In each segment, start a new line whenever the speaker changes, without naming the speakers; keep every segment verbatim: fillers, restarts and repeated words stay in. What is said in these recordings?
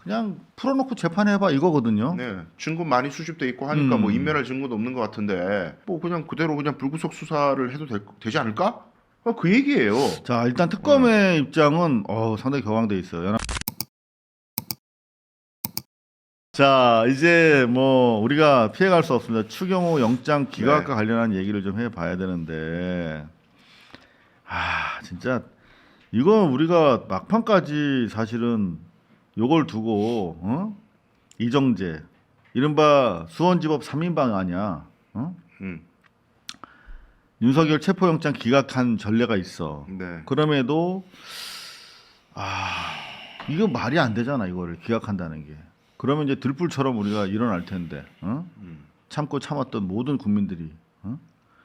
그냥 풀어놓고 재판해봐 이거거든요.
네, 증거 많이 수집돼 있고 하니까
음.
뭐 인멸할 증거도 없는 것 같은데 뭐 그냥 그대로 그냥 불구속 수사를 해도 될, 되지 않을까? 어, 그 얘기예요.
자 일단 특검의 입장은 어, 상당히 격앙돼 있어요. 연합... 자 이제 뭐 우리가 피해갈 수 없습니다. 추경호 영장 기각과
네.
관련한 얘기를 좀 해봐야 되는데 아 진짜 이건 우리가 막판까지 사실은 요걸 두고 어? 이정재 이른바 수원지법 삼 인방 아니야. 어?
음,
윤석열 체포영장 기각한 전례가 있어.
네.
그럼에도 아 이거 말이 안 되잖아 이거를 기각한다는 게. 그러면 이제 들불처럼 우리가 일어날 텐데 어?
음.
참고 참았던 모든 국민들이 어?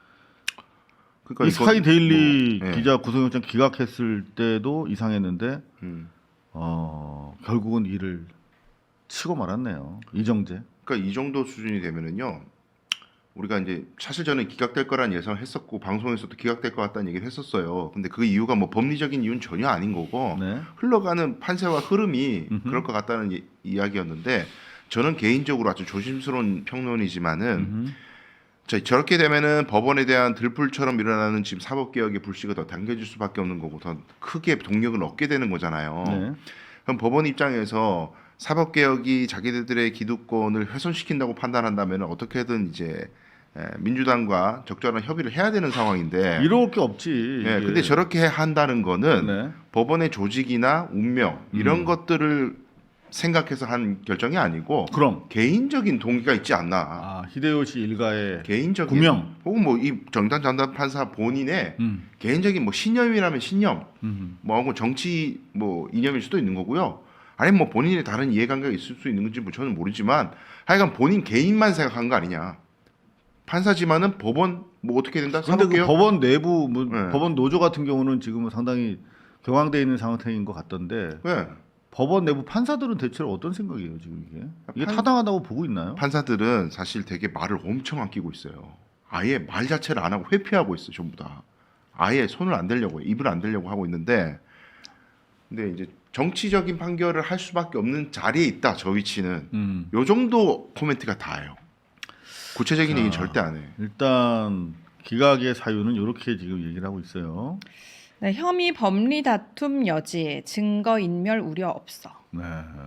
그러니까
이
이거
스카이 데일리
뭐, 예.
기자 구속영장 기각했을 때도 이상했는데
음.
어, 결국은 이를 치고 말았네요. 이정재.
그러니까 이 정도 수준이 되면은요. 우리가 이제 사실 저는 기각될 거란 예상을 했었고 방송에서도 기각될 것 같다는 얘기를 했었어요. 근데 그 이유가 뭐 법리적인 이유는 전혀 아닌 거고
네.
흘러가는 판세와 흐름이
음흠.
그럴 것 같다는 이, 이야기였는데 저는 개인적으로 아주 조심스러운 평론이지만은
음흠.
자, 저렇게 되면은 법원에 대한 들불처럼 일어나는 지금 사법개혁의 불씨가 더 당겨질 수밖에 없는 거고 더 크게 동력을 얻게 되는 거잖아요.
네.
그럼 법원 입장에서 사법개혁이 자기들의 기득권을 훼손시킨다고 판단한다면 어떻게든 이제 에, 민주당과 적절한 협의를 해야 되는 상황인데
이럴 게 없지.
예,
이게.
근데 저렇게 한다는 거는
네.
법원의 조직이나 운명 이런
음.
것들을 생각해서 한 결정이 아니고
그럼
개인적인 동기가 있지 않나.
아, 히데요시 일가의
개인적인
구명.
혹은 뭐 이 정당 전담 판사 본인의
음.
개인적인 뭐 신념이라면 신념,
음.
뭐하고 정치 뭐 이념일 수도 있는 거고요. 아니면 뭐 본인의 다른 이해관계가 있을 수 있는 건지 뭐 저는 모르지만 하여간 본인 개인만 생각한 거 아니냐. 판사지만은 법원 뭐 어떻게 된다?
근데 그
사법개혁?
법원 내부 뭐
네.
법원 노조 같은 경우는 지금 상당히 격앙돼 있는 상태인 것 같던데
네.
법원 내부 판사들은 대체로 어떤 생각이에요 지금 이게? 이게
판-
타당하다고 보고 있나요?
판사들은 사실 되게 말을 엄청 아끼고 있어요. 아예 말 자체를 안 하고 회피하고 있어요, 전부 다. 아예 손을 안 대려고 입을 안 대려고 하고 있는데, 근데 이제 정치적인 판결을 할 수밖에 없는 자리에 있다. 저 위치는
음.
요 정도 코멘트가 다예요. 구체적인
자.
얘기 절대 안 해.
일단 기각의 사유는 이렇게 지금 얘기를 하고 있어요.
네, 혐의 법리 다툼 여지, 증거 인멸 우려 없어.
네.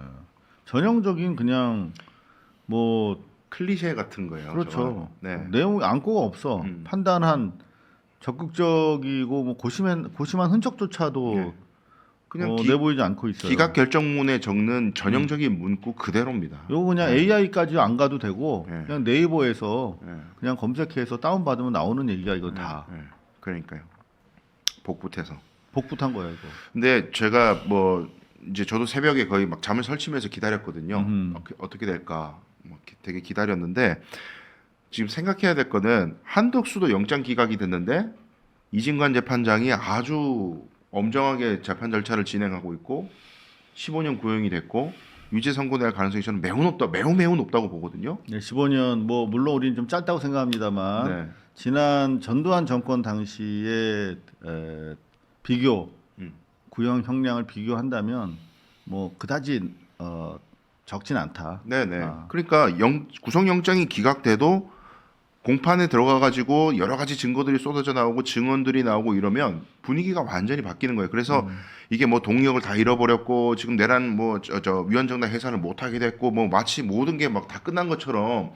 전형적인 그냥 뭐
클리셰 같은 거예요.
그렇죠.
저거는. 네.
내용 안고가 없어.
음.
판단한 적극적이고 뭐 고심한 고심한 흔적조차도
네. 그냥
어,
기,
내보이지 않고 있어요.
기각 결정문에 적는 전형적인 문구 그대로입니다.
요거 그냥
네.
에이아이까지 안 가도 되고
네.
그냥 네이버에서
네.
그냥 검색해서 다운 받으면 나오는 얘기가 이거 다
네. 네. 그러니까요. 복붙해서.
복붙한 거야 이거.
근데 제가 뭐 이제 저도 새벽에 거의 막 잠을 설치면서 기다렸거든요.
음흠.
어떻게, 어떻게 될까 뭐 기- 되게 기다렸는데 지금 생각해야 될 거는 한덕수도 영장 기각이 됐는데 이진관 재판장이 아주 엄정하게 재판 절차를 진행하고 있고 십오 년 구형이 됐고 유죄 선고될 가능성이 저는 매우 높다, 매우 매우 높다고 보거든요.
네, 십오 년 뭐 물론 우리는 좀 짧다고 생각합니다만
네.
지난 전두환 정권 당시에 에, 비교
음.
구형 형량을 비교한다면 뭐 그다지 어, 적진 않다.
네네.
아.
그러니까 영, 구속영장이 기각돼도 공판에 들어가 가지고 여러 가지 증거들이 쏟아져 나오고 증언들이 나오고 이러면 분위기가 완전히 바뀌는 거예요. 그래서
음.
이게 뭐 동력을 다 잃어버렸고 지금 내란 뭐 저 저 위헌정당 해산을 못 하게 됐고 뭐 마치 모든 게 막 다 끝난 것처럼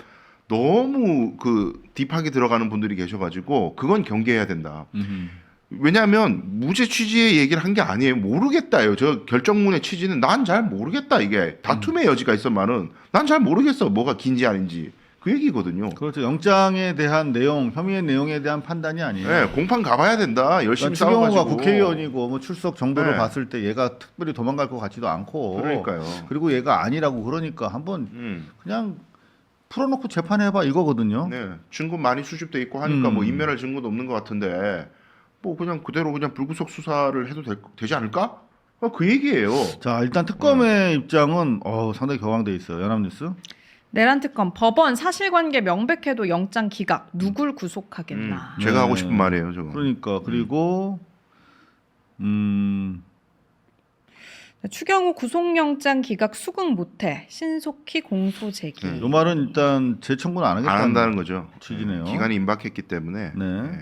너무 그 딥하게 들어가는 분들이 계셔가지고 그건 경계해야 된다.
음흠.
왜냐하면 무죄 취지의 얘기를 한 게 아니에요. 모르겠다요. 저 결정문의 취지는 난 잘 모르겠다. 이게 다툼의 여지가 있었만은 난 잘 모르겠어. 뭐가 긴지 아닌지 그 얘기거든요.
그렇죠. 영장에 대한 내용, 혐의의 내용에 대한 판단이 아니에요.
네, 공판 가봐야 된다. 열심히
그러니까 추경호가
싸워가지고.
국회의원이고 뭐 출석 정도로
네.
봤을 때 얘가 특별히 도망갈 것 같지도 않고
그러니까요.
그리고 얘가 아니라고 그러니까 한번
음,
그냥 풀어놓고 재판해봐 이거거든요.
네, 증거 많이 수집돼 있고 하니까
음.
뭐 인멸할 증거도 없는 것 같은데 뭐 그냥 그대로 그냥 불구속 수사를 해도 될, 되지 않을까? 어, 그 얘기예요.
자 일단 특검의 입장은 어, 상당히 격앙돼 있어요. 연합뉴스.
내란 특검 법원 사실관계 명백해도 영장 기각 누굴 구속하겠나.
음, 제가
네.
하고 싶은 말이에요, 저거.
그러니까 그리고 음,
추경호 구속영장 기각 수긍 못해 신속히 공소 제기.
네.
이 말은 일단 재청구는 안 하겠다는
안 한다는 거죠.
취지네요.
기간이 임박했기 때문에.
네.
네.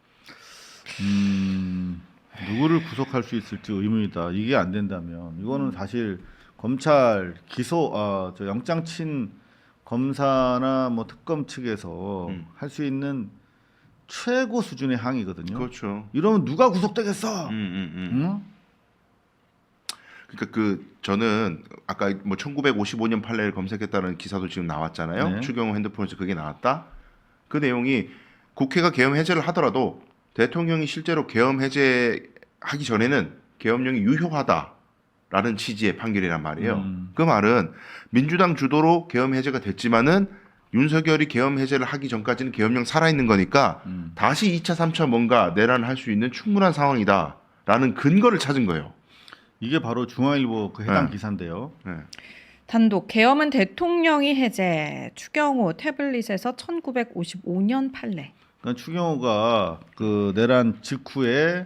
음, 누구를 구속할 수 있을지 의문이다. 이게 안 된다면 이거는 사실 검찰 기소, 아, 저 영장 친 검사나 뭐 특검 측에서
음.
할 수 있는 최고 수준의 항의거든요.
그렇죠.
이러면 누가 구속되겠어?
음, 음, 음.
응?
그러니까 그 저는 아까 뭐 천구백오십오 년 판례를 검색했다는 기사도 지금 나왔잖아요.
네.
추경호 핸드폰에서 그게 나왔다. 그 내용이 국회가 계엄 해제를 하더라도 대통령이 실제로 계엄 해제하기 전에는 계엄령이 유효하다라는 취지의 판결이란 말이에요.
음.
그 말은 민주당 주도로 계엄 해제가 됐지만은 윤석열이 계엄 해제를 하기 전까지는 계엄령 살아있는 거니까
음.
다시 이 차, 삼 차 뭔가 내란할 수 있는 충분한 상황이다라는 근거를 찾은 거예요.
이게 바로 중앙일보 그 해당
네.
기사인데요.
네.
단독 계엄은 대통령이 해제. 추경호 태블릿에서 천구백오십오 년 판례.
그러니까 추경호가 그 내란 직후에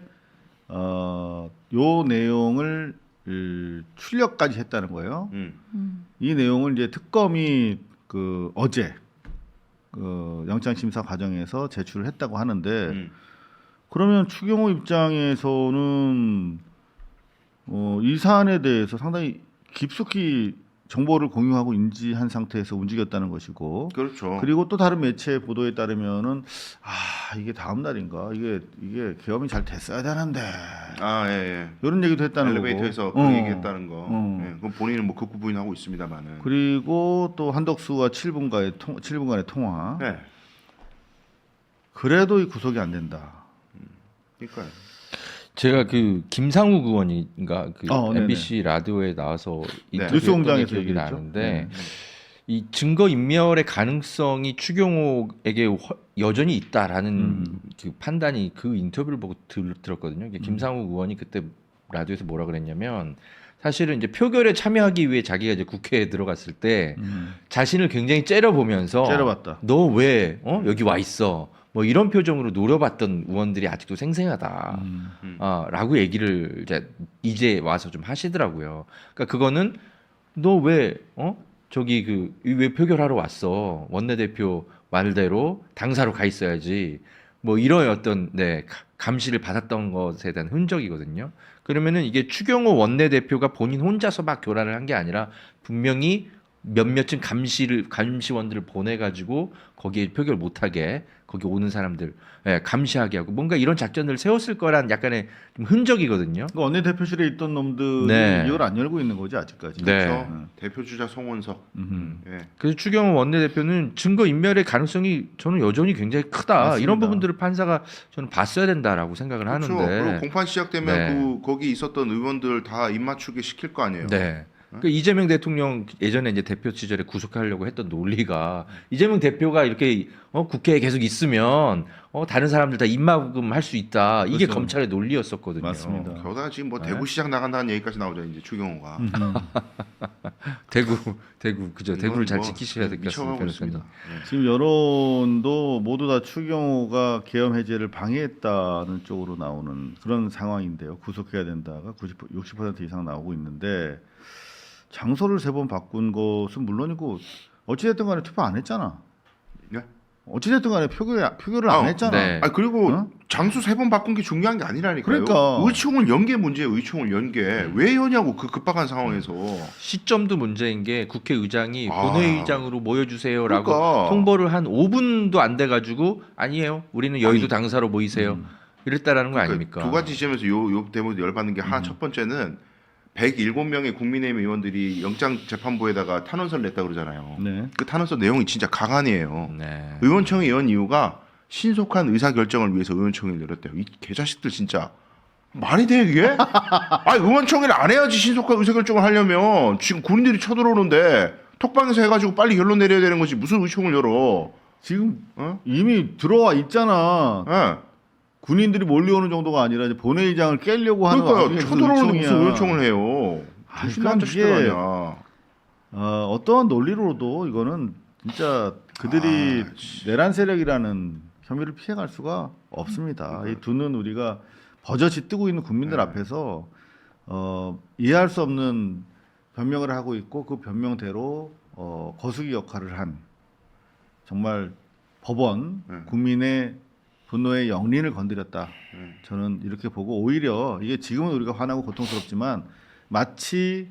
어, 요 내용을 을, 출력까지 했다는 거예요.
음.
음.
이 내용을 이제 특검이 그 어제 그 영장 심사 과정에서 제출을 했다고 하는데
음.
그러면 추경호 입장에서는 어, 이 사안에 대해서 상당히 깊숙이 정보를 공유하고 인지한 상태에서 움직였다는 것이고
그렇죠.
그리고 또 다른 매체 보도에 따르면은 아 이게 다음 날인가 이게 이게 계엄이 잘 됐어야 되는데
아, 예, 예.
이런 얘기도 했다는
엘리베이터에서
거고.
그
어.
얘기했다는 거.
어.
예, 그건 본인은 뭐 극구 부인하고 있습니다만은.
그리고 또 한덕수와 칠 분간의 통 칠 분간의 통화.
네.
그래도 이 구속이 안 된다.
그러니까요.
제가 그 김상욱 의원인가 그
어, 네네.
엠비씨 라디오에 나와서
네.
인터뷰했던
뉴스공장에서
기억이
얘기했죠.
나는데
네.
이 증거 인멸의 가능성이 추경호에게 허- 여전히 있다라는
음.
그 판단이 그 인터뷰를 보고 들, 들었거든요. 이게 김상욱 의원이 그때 라디오에서 뭐라 그랬냐면 사실은 이제 표결에 참여하기 위해 자기가 이제 국회에 들어갔을 때
음.
자신을 굉장히 째려보면서
째려봤다.
너 왜 어? 여기 와 있어? 뭐 이런 표정으로 노려봤던 의원들이 아직도 생생하다.
음.
음.
아, 라고 얘기를 이제 이제 와서 좀 하시더라고요. 그러니까 그거는 너 왜 어? 저기 그 왜 표결하러 왔어? 원내대표 말대로 당사로 가 있어야지. 뭐 이런 어떤 네, 가- 감시를 받았던 것에 대한 흔적이거든요. 그러면은 이게 추경호 원내대표가 본인 혼자서 막 교란을 한 게 아니라 분명히 몇몇쯤 감시를 감시원들을 보내 가지고 거기에 표결 못 하게 거기 오는 사람들 예, 감시하게 하고 뭔가 이런 작전을 세웠을 거란 약간의 좀 흔적이거든요.
그 원내 대표실에 있던 놈들이
네.
이걸 안 열고 있는 거지 아직까지.
네.
그렇죠.
음.
대표 주자 송원석.
음.
예.
그래서 추경호 원내대표는 증거 인멸의 가능성이 저는 여전히 굉장히 크다.
맞습니다.
이런 부분들을 판사가 저는 봤어야 된다라고 생각을
그렇죠.
하는데.
그리고 공판 시작되면
네.
그 거기 있었던 의원들 다 입맞추게 시킬 거 아니에요.
네. 그 이재명 대통령 예전에 이제 대표 시절에 구속하려고 했던 논리가 이재명 대표가 이렇게 어, 국회에 계속 있으면 어, 다른 사람들 다 입막음 할 수 있다. 이게
그렇죠.
검찰의 논리였었거든요.
맞습니다.
게다가 지금 뭐
네.
대구시장 나간다는 얘기까지 나오죠. 이제 추경호가.
음.
대구 대구 그죠.
이건
대구를 잘
뭐
지키셔야 될 것 같습니다.
미쳐가고 있습니다.
변호사님.
예.
지금 여론도 모두 다 추경호가 계엄 해제를 방해했다는 쪽으로 나오는 그런 상황인데요. 구속해야 된다가 구십, 육십 퍼센트 이상 나오고 있는데 장소를 세 번 바꾼 것은 물론이고 어찌됐든 간에 투표 안 했잖아.
네?
어찌됐든 간에 표결, 표결을
아,
안 했잖아.
네.
아 그리고
어?
장수 세 번 바꾼 게 중요한 게 아니라니까요.
그러니까.
의총을 연 게 문제예요. 의총을 연 게 왜 여냐고 그 급박한 상황에서.
시점도 문제인 게 국회의장이
아.
본회의장으로 모여주세요라고
그러니까.
통보를 한 오 분도 안 돼가지고 아니에요. 우리는 여의도
아니.
당사로 모이세요.
음.
이랬다라는 거
그러니까
아닙니까?
두 가지 지점에서 요, 요 대목에 열받는 게 하나
음.
첫 번째는 백칠 명의 국민의힘 의원들이 영장재판부에다가 탄원서를 냈다 그러잖아요.
네.
그 탄원서 내용이 진짜 가관이에요.
네.
의원총회 연 이유가 신속한 의사결정을 위해서 의원총회를 열었대요. 이 개자식들 진짜 말이 돼 이게? 아 의원총회를 안 해야지 신속한 의사결정을 하려면 지금 군인들이 쳐들어오는데 톡방에서 해가지고 빨리 결론 내려야 되는 거지 무슨 의총을 열어?
지금
어?
이미 들어와 있잖아.
예.
군인들이 몰려오는 정도가 아니라 이제 본회의장을 깨려고 하는
그러니까
와중에
쳐들어오는데 무슨
의총이야.
의원총을 해요?
아,
조심한
그러니까
자식들
이게-
아니야.
어, 어떠한 논리로도 이거는 진짜 그들이
아, 씨.
내란 세력이라는 혐의를 피해갈 수가 없습니다. 이 두 눈 우리가 버젓이 뜨고 있는 국민들
네.
앞에서 어, 이해할 수 없는 변명을 하고 있고 그 변명대로 어, 거수기 역할을 한 정말 법원
네.
국민의 분노의 영린을 건드렸다.
네.
저는 이렇게 보고 오히려 이게 지금은 우리가 화나고 고통스럽지만 마치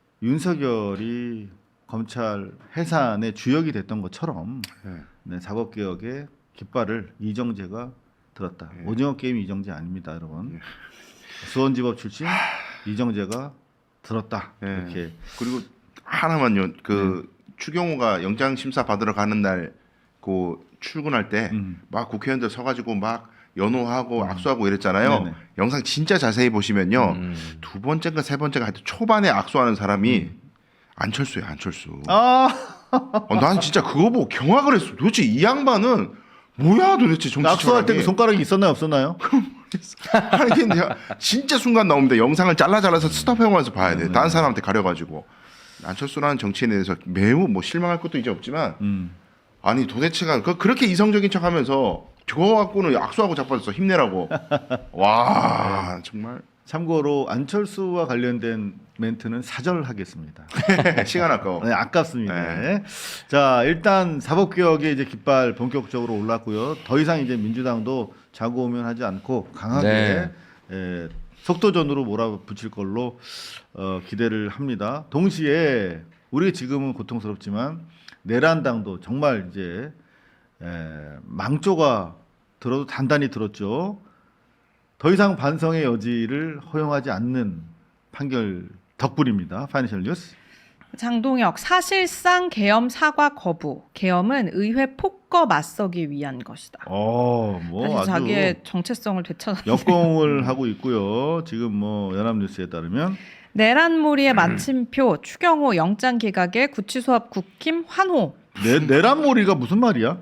윤석열이 검찰 해산의 주역이 됐던 것처럼
네.
네, 사법개혁의 깃발을 이정재가 들었다.
네.
오징어 게임 이정재 아닙니다, 여러분.
네.
수원지법 출신 이정재가 들었다.
네.
이렇게
그리고 하나만요. 그
네.
추경호가 영장 심사 받으러 가는 날 그 출근할 때 막
음.
국회의원들 서가지고 막 연호하고 악수하고 이랬잖아요.
네네.
영상 진짜 자세히 보시면요.
음.
두 번째인가 세 번째가 하여튼 초반에 악수하는 사람이 안철수예요, 안철수.
아,
어, 난 진짜 그거 보고 경악을 했어. 도대체 이 양반은 뭐야 도대체 정치
낙수할 때 그
철학이.
손가락이 있었나요, 없었나요?
아니 근데 진짜 순간 나옵니다. 영상을 잘라 잘라서 스톱해가면서 봐야 돼.
네.
다른 사람한테 가려가지고. 안철수라는 정치인에 대해서 매우 뭐 실망할 것도 이제 없지만
음.
아니 도대체가 그- 그렇게 이성적인 척하면서 저거 갖고는 악수하고 자빠졌어 힘내라고. 와 정말
참고로 안철수와 관련된 멘트는 사절하겠습니다.
시간 아까워.
네, 아깝습니다.
네.
자, 일단 사법개혁의 이제 깃발 본격적으로 올랐고요. 더 이상 이제 민주당도 자고우면하지 않고 강하게
네.
예, 속도전으로 몰아붙일 걸로 어, 기대를 합니다. 동시에 우리 지금은 고통스럽지만 내란당도 정말 이제 에, 망조가 들어도 단단히 들었죠. 더 이상 반성의 여지를 허용하지 않는 판결 덕분입니다. 파이낸셜 뉴스.
장동혁 사실상 계엄 사과 거부. 계엄은 의회 폭거 맞서기 위한 것이다.
어, 뭐
사실
아주
자기의 정체성을 되찾았.
역공을 하고 있고요. 지금 뭐 연합뉴스에 따르면
내란몰이의 마침표 추경호 영장 기각에 구치소 앞 국힘 환호.
내, 내란몰이가 무슨 말이야?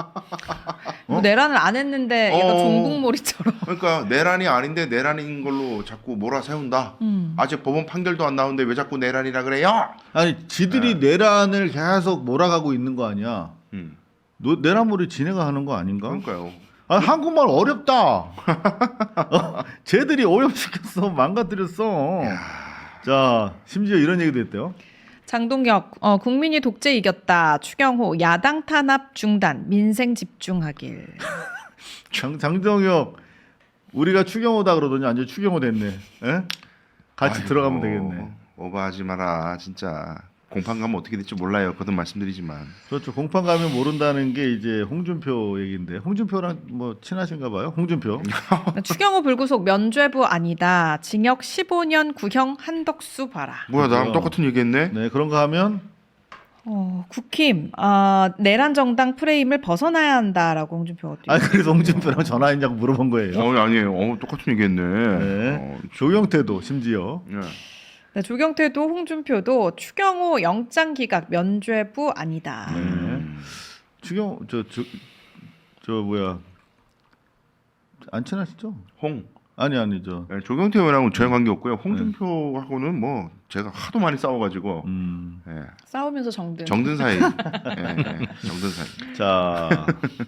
뭐 내란을 안 했는데 얘가
어.
종북몰이처럼.
그러니까 내란이 아닌데 내란인 걸로 자꾸 몰아세운다.
음.
아직 법원 판결도 안 나오는데 왜 자꾸 내란이라 그래요?
아니 지들이 내란을 계속 몰아가고 있는 거 아니야?
음,
노, 내란몰이 지네가 하는 거 아닌가?
그러니까요.
아 한국말 어렵다. 어, 쟤들이 오염시켰어, 망가뜨렸어. 자, 심지어 이런 얘기도 했대요.
장동혁 어, 국민이 독재 이겼다. 추경호 야당 탄압 중단. 민생 집중하길.
장, 장정혁 우리가 추경호다 그러더니 완전 추경호 됐네. 에? 같이
아이고,
들어가면 되겠네.
오버하지 마라 진짜. 공판 가면 어떻게 될지 몰라요. 거듭 말씀드리지만.
그렇죠. 공판 가면 모른다는 게 이제 홍준표 얘기인데 홍준표랑 뭐 친하신가 봐요. 홍준표.
추경호 불구속 면죄부 아니다. 징역 십오 년 구형 한덕수 봐라.
뭐야 나랑
그죠.
똑같은 얘기했네.
네, 그런 거 하면
어, 국힘 아, 내란 정당 프레임을 벗어나야 한다라고 홍준표가
아 그래서 홍준표랑 전화했냐고 물어본 거예요.
어 아니에요. 어, 똑같은 얘기했네.
네.
어,
조경태도 심지어
예.
네, 조경태도 홍준표도 추경호 영장 기각 면죄부 아니다.
네.
음.
추경 저저 저 뭐야 안 친하시죠?
홍.
아니 아니 저
네, 조경태 의원하고는 전혀 관계 없고요. 홍준표하고는 뭐 제가 하도 많이 싸워가지고
음.
예.
싸우면서 정든.
정든 사이. 예, 예, 정든 사이.
자